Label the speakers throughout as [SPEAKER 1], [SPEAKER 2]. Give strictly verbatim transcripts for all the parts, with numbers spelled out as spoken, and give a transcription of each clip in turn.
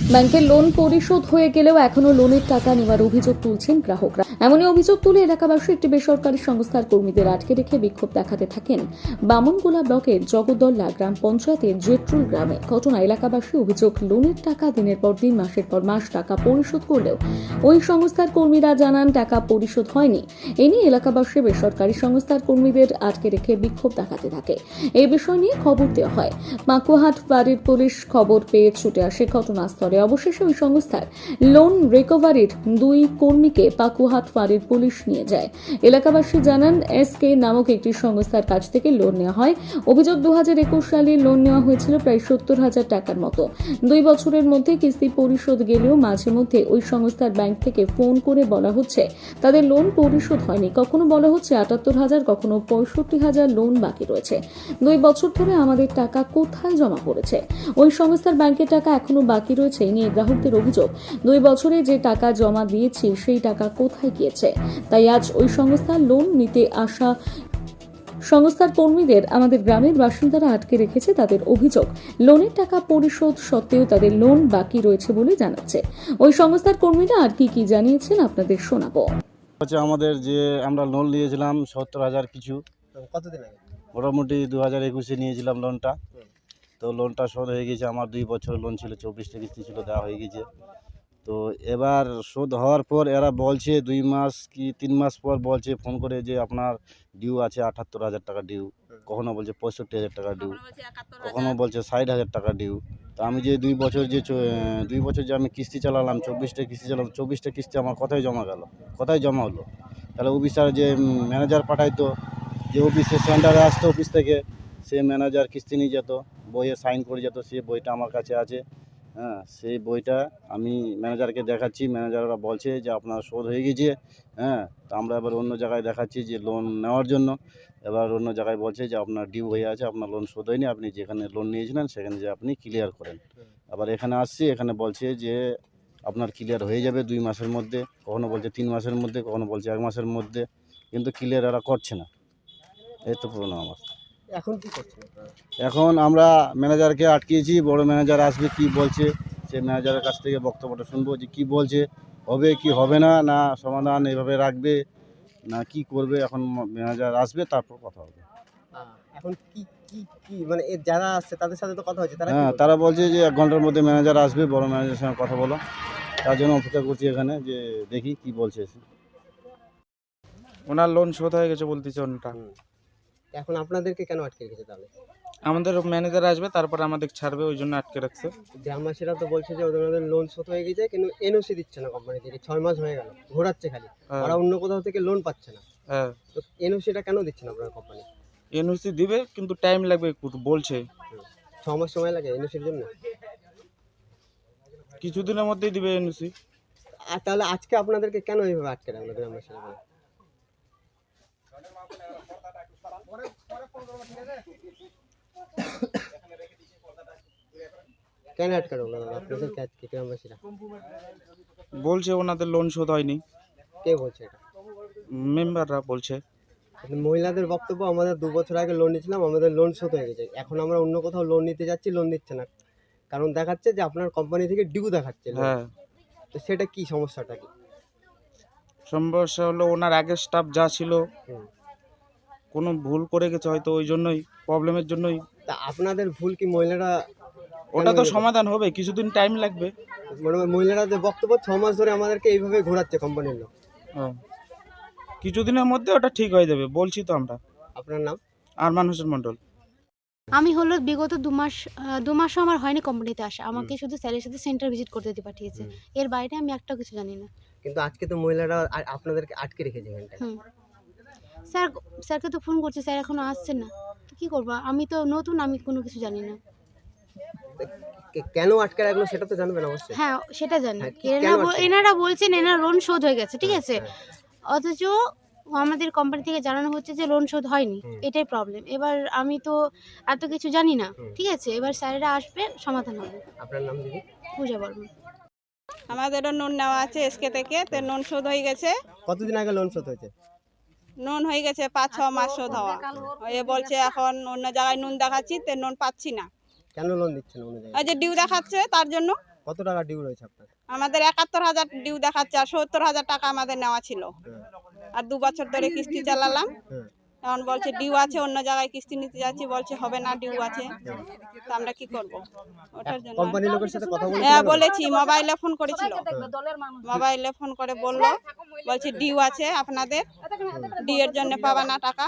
[SPEAKER 1] ব্যাংকের লোন পরিশোধ হয়ে গেলেও এখনো লোনের টাকা নেওয়ার অভিযোগ তুলছেন গ্রাহকরা। এমনই অভিযোগ তুলে এলাকাবাসী একটি বেসরকারি সংস্থার কর্মীদের আটকে রেখে বিক্ষোভ দেখাতে থাকেন বামনগোলা ব্লকের জগদ্দল্লা গ্রাম পঞ্চায়েতের জেট্রুল গ্রামে। ঘটনা এলাকাবাসী অভিযোগ, লোনের টাকা দিনের পর দিন মাসের পর মাস টাকা পরিশোধ করলেও ওই সংস্থার কর্মীরা জানান টাকা পরিশোধ হয়নি। এ নিয়ে এলাকাবাসী বেসরকারি সংস্থার কর্মীদের আটকে রেখে বিক্ষোভ দেখাতে থাকে। এই বিষয় নিয়ে খবর দেওয়া হয়। মাকুয়াহাট ফাঁড়ির পুলিশ খবর পেয়ে ছুটে আসে ঘটনাস্থলে। অবশেষে ওই সংস্থার লোন রিকভারির দুই কর্মীকে পাকুয়াহাট ফাঁড়ির পুলিশ নিয়ে যায়। এলাকাবাসী জানান, এস কে নামক একটি সংস্থার কাছ থেকে লোন নেওয়া হয়। অভিযোগ, দু হাজার একুশ সালে লোন নেওয়া হয়েছিল প্রায় সত্তর হাজার টাকার মতো। দুই বছরের মধ্যে কিস্তি পরিশোধ গেলেও মাঝে মধ্যে ওই সংস্থার ব্যাংক থেকে ফোন করে বলা হচ্ছে তাদের লোন পরিশোধ হয়নি। কখনো বলা হচ্ছে আটাত্তর হাজার, কখনো পঁয়ষট্টি হাজার লোন বাকি রয়েছে। দুই বছর ধরে আমাদের টাকা কোথায় জমা পড়েছে? ওই সংস্থার ব্যাংকের টাকা এখনো বাকি রয়েছে। এই নিয়ে গ্রাহকদের অভিযোগ, দুই বছরে যে টাকা জমা দিয়েছি সেই টাকা কোথায় গিয়েছে? তাই আজ ওই সংস্থা লোন নিতে আসা সংস্থার কর্মীদের আমাদের গ্রামের বাসিন্দারা আটকে রেখেছে। তাদের অভিযোগ, লোনের টাকা পরিশোধ সত্ত্বেও তাদের লোন বাকি রয়েছে বলে জানাচ্ছে। ওই সংস্থার কর্মীরা আর কি কি জানিয়েছেন আপনাদের শোনাবো।
[SPEAKER 2] হচ্ছে আমাদের যে আমরা লোন নিয়েছিলাম সত্তর হাজার কিছু,
[SPEAKER 3] কতদিন আগে?
[SPEAKER 2] মোটামুটি দু হাজার একুশে নিয়েছিলাম লোনটা। তো লোনটা শোধ হয়ে গেছে। আমার দুই বছর লোন ছিল, চব্বিশটা কিস্তি ছিল, দেওয়া হয়ে গেছে। তো এবার শোধ হওয়ার পর এরা বলছে দুই মাস কি তিন মাস পর বলছে ফোন করে যে আপনার ডিউ আছে আটাত্তর হাজার টাকা ডিউ, কখনো বলছে পঁয়ষট্টি হাজার টাকা ডিউ, কখনো বলছে ষাট হাজার টাকা ডিউ। তো আমি যে দুই বছর যে দুই বছর যে আমি কিস্তি চালালাম, চব্বিশটা কিস্তি চালালাম, চব্বিশটা কিস্তি আমার কোথায় জমা গেল, কোথায় জমা হলো? তাহলে অফিসার যে ম্যানেজার পাঠাইতো, যে অফিসে সেন্টারে আসতো, অফিস থেকে সে ম্যানেজার কিস্তি নিয়ে যেত, বইয়ে সাইন করে যেত। সে বইটা আমার কাছে আছে। হ্যাঁ, সেই বইটা আমি ম্যানেজারকে দেখাচ্ছি। ম্যানেজাররা বলছে যে আপনার শোধ হয়ে গেছে। হ্যাঁ, তো আমরা এবার অন্য জায়গায় দেখাচ্ছি যে লোন নেওয়ার জন্য। এবার অন্য জায়গায় বলছে যে আপনার ডিউ হয়ে আছে, আপনার লোন শোধ হয়নি, আপনি যেখানে লোন নিয়েছিলেন সেখানে যে আপনি ক্লিয়ার করেন। আবার এখানে আসছি, এখানে বলছে যে আপনার ক্লিয়ার হয়ে যাবে দুই মাসের মধ্যে, কখনো বলছে তিন মাসের মধ্যে, কখনো বলছে এক মাসের মধ্যে, কিন্তু ক্লিয়ার এরা করছে না। এই তো প্রবলেম আমার।
[SPEAKER 3] এখন কি করছেন?
[SPEAKER 2] এখন আমরা ম্যানেজারকে আটকিয়েছি। বড় ম্যানেজার আসবে, কি বলছে সেই ম্যানেজারের কাছ থেকে বক্তব্যটা শুনবো যে কি বলছে, হবে কি হবে না, না সমাধান এভাবে রাখবে না কি করবে। এখন ম্যানেজার আসবে, তারপর কথা হবে।
[SPEAKER 3] এখন কি কি কি মানে এ যারা আসছে তাদের সাথে তো কথা হচ্ছে, তারা
[SPEAKER 2] হ্যাঁ, তারা বলছে যে এক ঘন্টার মধ্যে ম্যানেজার আসবে, বড় ম্যানেজারের সঙ্গে কথা বলো। তার জন্য অপেক্ষা করছি এখানে, যে দেখি কি বলছে।
[SPEAKER 4] ওনার লোন শোধ হয়ে গেছে বলতেছে ওনটা।
[SPEAKER 3] এখন আপনাদেরকে কেন আটকে রেখেছে তাহলে?
[SPEAKER 4] আমাদের ম্যানেজার আসবে, তারপর আমাদের ছাড়বে, ওই জন্য আটকে রাখছে।
[SPEAKER 3] গ্রামবাসীরা তো বলছে যে ওদের লোন শোধ হয়ে গেছে, কিন্তু এনওসি দিচ্ছে না কোম্পানি থেকে। ছয় মাস হয়ে গেল, ঘোরাচ্ছে খালি।
[SPEAKER 4] হ্যাঁ।
[SPEAKER 3] ওরা অন্য কোথাও থেকে লোন পাচ্ছে না।
[SPEAKER 4] হ্যাঁ,
[SPEAKER 3] তো এনওসিটা কেন দিচ্ছে না আপনার কোম্পানি?
[SPEAKER 4] এনওসি দিবে, কিন্তু টাইম লাগবে একটু বলছে।
[SPEAKER 3] ছ মাস সময় লাগে এনওসির জন্য?
[SPEAKER 4] কিছুদিনের মধ্যেই দিবে এনওসি।
[SPEAKER 3] আর তাহলে আজকে আপনাদেরকে কেন এইভাবে আটকে রাখলো গ্রামবাসীরা? কেন আটকে রাখলো আপনাদেরকে আজকে গ্রামবাসীরা?
[SPEAKER 4] বলছে ওনাদের লোন শোধ হয়নি।
[SPEAKER 3] কে বলছে এটা?
[SPEAKER 4] মেম্বাররা বলছে।
[SPEAKER 3] মহিলাদের বক্তব্য, আমাদের দু বছর আগে লোন নিয়েছিলাম, আমাদের লোন শোধ হয়ে গেছে। এখন আমরা অন্য কোথাও লোন নিতে যাচ্ছি, লোন দিচ্ছে না, কারণ দেখাচ্ছে যে আপনার কোম্পানি থেকে ডিউ দেখাচ্ছে।
[SPEAKER 4] হ্যাঁ,
[SPEAKER 3] তো সেটা কি সমস্যাটা কি?
[SPEAKER 4] সমস্যা হলো ওনার আগের স্টাফ যা ছিল কোনো ভুল করে গেছে হয়তো, ওই জন্যই, প্রবলেমের জন্যই।
[SPEAKER 3] তা আপনাদের ভুল কি মহিলারা?
[SPEAKER 4] ওটা তো সমাধান হবে, কিছুদিন টাইম লাগবে।
[SPEAKER 3] মানে মহিলাদের বক্তব্য ছ মাস ধরে আমাদেরকে এইভাবে ঘোরাচ্ছে কোম্পানির লোক।
[SPEAKER 4] হ্যাঁ, কিছুদিনের মধ্যে ওটা ঠিক হয়ে যাবে বলছি তো আমরা।
[SPEAKER 3] আপনার নাম?
[SPEAKER 4] আরমান হোসেন মন্ডল।
[SPEAKER 5] আমি হলো বিগত দু মাস আহ, দু মাসও আমার হয়নি কোম্পানিতে আসা। আমাকে শুধু স্যারের সাথে সেন্টার ভিজিট করতে দিয়ে পাঠিয়েছে। এর বাইরে আমি একটা কিছু জানি না।
[SPEAKER 3] কিন্তু আজকে তো মহিলারা আ- আপনাদেরকে আটকে রেখেছে এখানটায়।
[SPEAKER 5] হুম স্যার স্যারকে তো ফোন করছে, স্যার এখনো আসছে না। তো কী করবো, আমি তো নতুন, আমি কোনো কিছু জানি না।
[SPEAKER 3] কে- কেন আটকে রাখলো সেটা তো জানবেন অবশ্যই।
[SPEAKER 5] হ্যাঁ, সেটা জানি।
[SPEAKER 3] হ্যাঁ, কি-
[SPEAKER 5] এনারা
[SPEAKER 3] কেন
[SPEAKER 5] বল-
[SPEAKER 3] আটকে?
[SPEAKER 5] এনারা বলছেন এনার লোন শোধ হয়ে গেছে, ঠিক আছে,
[SPEAKER 3] হ্যাঁ।
[SPEAKER 5] অথচ আমাদের কোম্পানি থেকে জানানো হচ্ছে যে লোন শোধ হয়নি।
[SPEAKER 3] হুম।
[SPEAKER 5] এটাই প্রবলেম। এবার আমি তো এত কিছু জানি না,
[SPEAKER 3] হুম।
[SPEAKER 5] ঠিক আছে, এবার স্যারেরা আসবে, সমাধান হবে।
[SPEAKER 3] আপনার নাম দিদি?
[SPEAKER 5] পূজা বর্মন।
[SPEAKER 6] আমাদেরও নুন নেওয়া আছে এসকে থেকে, তো নুন শোধ হয়ে গেছে।
[SPEAKER 3] কতদিন আগে লোন শোধ হয়েছে?
[SPEAKER 6] নুন হয়ে গেছে পাঁচ ছ মাস শোধ হওয়া। এ বলছে এখন অন্য জায়গায় নুন দেখাচ্ছি, তো নুন পাচ্ছি না।
[SPEAKER 3] কেন লোন দিচ্ছে না অন্য জায়গায়?
[SPEAKER 6] ওই যে ডিউ দেখাচ্ছে তার জন্য।
[SPEAKER 3] কত টাকা ডিউ রয়েছে আপনার?
[SPEAKER 6] আমাদের একাত্তর হাজার ডিউ দেখাচ্ছে, আর সত্তর হাজার টাকা আমাদের নেওয়া ছিল। আর দু বছর ধরে কিস্তি চালালাম,
[SPEAKER 3] হ্যাঁ।
[SPEAKER 6] এখন বলছে ডিউ আছে, অন্য জায়গায় কিস্তি নিতে যাচ্ছি, বলছে হবে না, ডিউ আছে। তো আমরা কি করব ওটার জন্য?
[SPEAKER 3] কোম্পানির লোকের সাথে কথা বলেছিলেন?
[SPEAKER 6] হ্যাঁ বলেছি, মোবাইলে ফোন করেছিল, মোবাইলে ফোন করে বললো, বলছে ডিউ আছে আপনাদের, ডিউ এর জন্য পাবা না টাকা।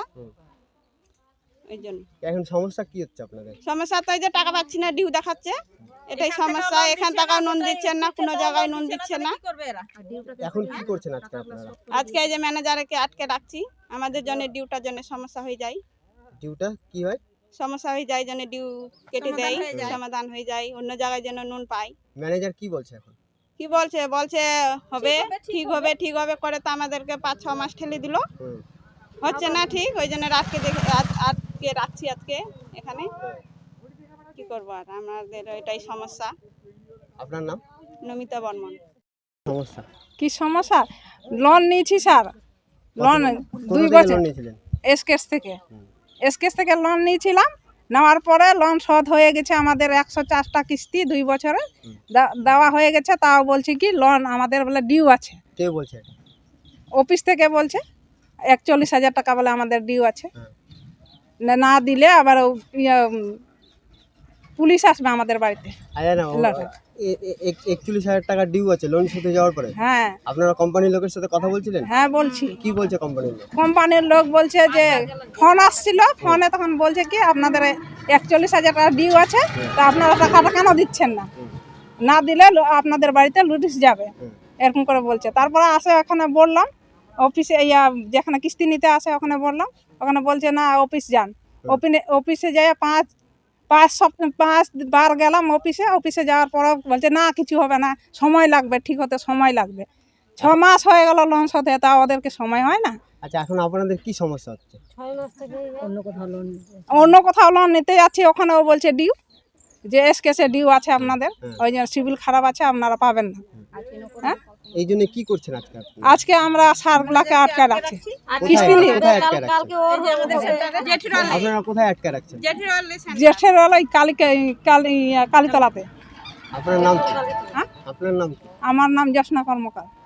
[SPEAKER 6] ওই জন্য
[SPEAKER 3] এখন সমস্যা কি হচ্ছে আপনাদের?
[SPEAKER 6] সমস্যা তো এই যে টাকা পাচ্ছি না, ডিউ দেখাচ্ছে, এটাই সমস্যা। এখান টাকা নুন দিচ্ছেন না, কোনো জায়গায় নুন দিচ্ছে না।
[SPEAKER 3] এখন কি করছেন আজকে আপনারা?
[SPEAKER 6] আজকে এই যে ম্যানেজারকে আটকে রাখছি, আমাদের জন্য ডিউটার জন্য সমস্যা হয়ে যায়,
[SPEAKER 3] ডিউটা কি হয়?
[SPEAKER 6] সমস্যা হয়ে যায়, জন্য ডিউ কেটে দেয়, সমাধান হয়ে যায়, অন্য জায়গায় যেন নুন পাই।
[SPEAKER 3] ম্যানেজার কি বলছে এখন?
[SPEAKER 6] কি বলছে, বলছে হবে, ঠিক হবে, ঠিক হবে করে তো আমাদেরকে পাঁচ ছ মাস ঠেলে দিল,
[SPEAKER 3] হুম।
[SPEAKER 6] হচ্ছে না ঠিক। ওই জন্য আজকে দেখে আজ- আজকে রাখছি আজকে এখানে। কি করবো আর, আমাদের এটাই সমস্যা।
[SPEAKER 3] আপনার নাম?
[SPEAKER 6] নমিতা বর্মন।
[SPEAKER 3] সমস্যা
[SPEAKER 7] কি সমস্যা? লোন নিয়েছি স্যার, লোন
[SPEAKER 3] কোথা
[SPEAKER 7] দুই
[SPEAKER 3] থেকে
[SPEAKER 7] বছর
[SPEAKER 3] লোন নিয়েছিলেন?
[SPEAKER 7] এসকেস থেকে এসকেস থেকে লোন নিয়েছিলাম। নেওয়ার পরে লোন শোধ হয়ে গেছে আমাদের একশো চারটা কিস্তি দুই বছরে দে- দেওয়া হয়ে গেছে। তাও বলছি কি লোন আমাদের বলে ডিউ আছে,
[SPEAKER 3] কে বলছে এটা?
[SPEAKER 7] অফিস থেকে বলছে একচল্লিশ হাজার টাকা বলে আমাদের ডিউ আছে।
[SPEAKER 3] হ্যাঁ।
[SPEAKER 7] না- না দিলে আবার ও ইয়ে, উম, পুলিশ আসবে আমাদের বাড়িতে।
[SPEAKER 3] আরে না, ও-
[SPEAKER 7] লাটে।
[SPEAKER 3] এ- এ- এক- একচল্লিশ হাজার টাকা ডিউ আছে লোন শোধে যাওয়ার পরে।
[SPEAKER 7] হ্যাঁ
[SPEAKER 3] আপনারা কোম্পানির লোকের সাথে কথা বলছিলেন?
[SPEAKER 7] হ্যাঁ বলছি।
[SPEAKER 3] কি বলছে কোম্পানির লোক?
[SPEAKER 7] কোম্পানির লোক বলছে যে ফোন আসছিল, ফোনে তখন বলছে কি আপনাদের একচল্লিশ হাজার টাকা ডিউ আছে, তা আপনারা টাকাটা কেন দিচ্ছেন না, না দিলে লো- আপনাদের বাড়িতে নোটিশ যাবে,
[SPEAKER 3] হুম।
[SPEAKER 7] এরকম করে বলছে। তারপরে আসে ওখানে বললাম অফিসে, ইয়া যেখানে কিস্তি নিতে আসে ওখানে বললাম, ওখানে বলছে না অফিস যান। অফিনে অফিসে যাই পাঁচ পাঁচ সপ্তাহ পাঁচ বার গেলাম অফিসে, অফিসে যাওয়ার পর বলছে না কিছু হবে না, সময় লাগবে, ঠিক হতে সময় লাগবে। ছ মাস হয়ে গেল লোন শোধে, তা ওদেরকে সময় হয় না।
[SPEAKER 3] আচ্ছা, এখন আপনাদের কি সমস্যা হচ্ছে?
[SPEAKER 7] অন্য কোথাও লোন নিতে যাচ্ছি, ওখানেও বলছে ডিউ, যে এসকেসে ডিউ আছে আপনাদের,
[SPEAKER 3] হুম।
[SPEAKER 7] ওই জন্য সিভিল খারাপ আছে, আপনারা পাবেন না। হ্যাঁ
[SPEAKER 3] এই জন্য কি করছেন আজকে আপনারা?
[SPEAKER 7] আজকে আমরা সারগুলাকে আটকে রাখছি
[SPEAKER 3] কোথায়
[SPEAKER 7] কিস্তি নিয়ে।
[SPEAKER 3] কোথায় আটকে রাখছেন? আপনারা কোথায় আটকে রাখছেন?
[SPEAKER 7] জেঠের ওই কালিকে কালী কালীতলাতে।
[SPEAKER 3] আপনার নাম কি?
[SPEAKER 7] হ্যাঁ?
[SPEAKER 3] আপনার নাম কি?
[SPEAKER 7] আমার নাম জ্যোৎস্না কর্মকার।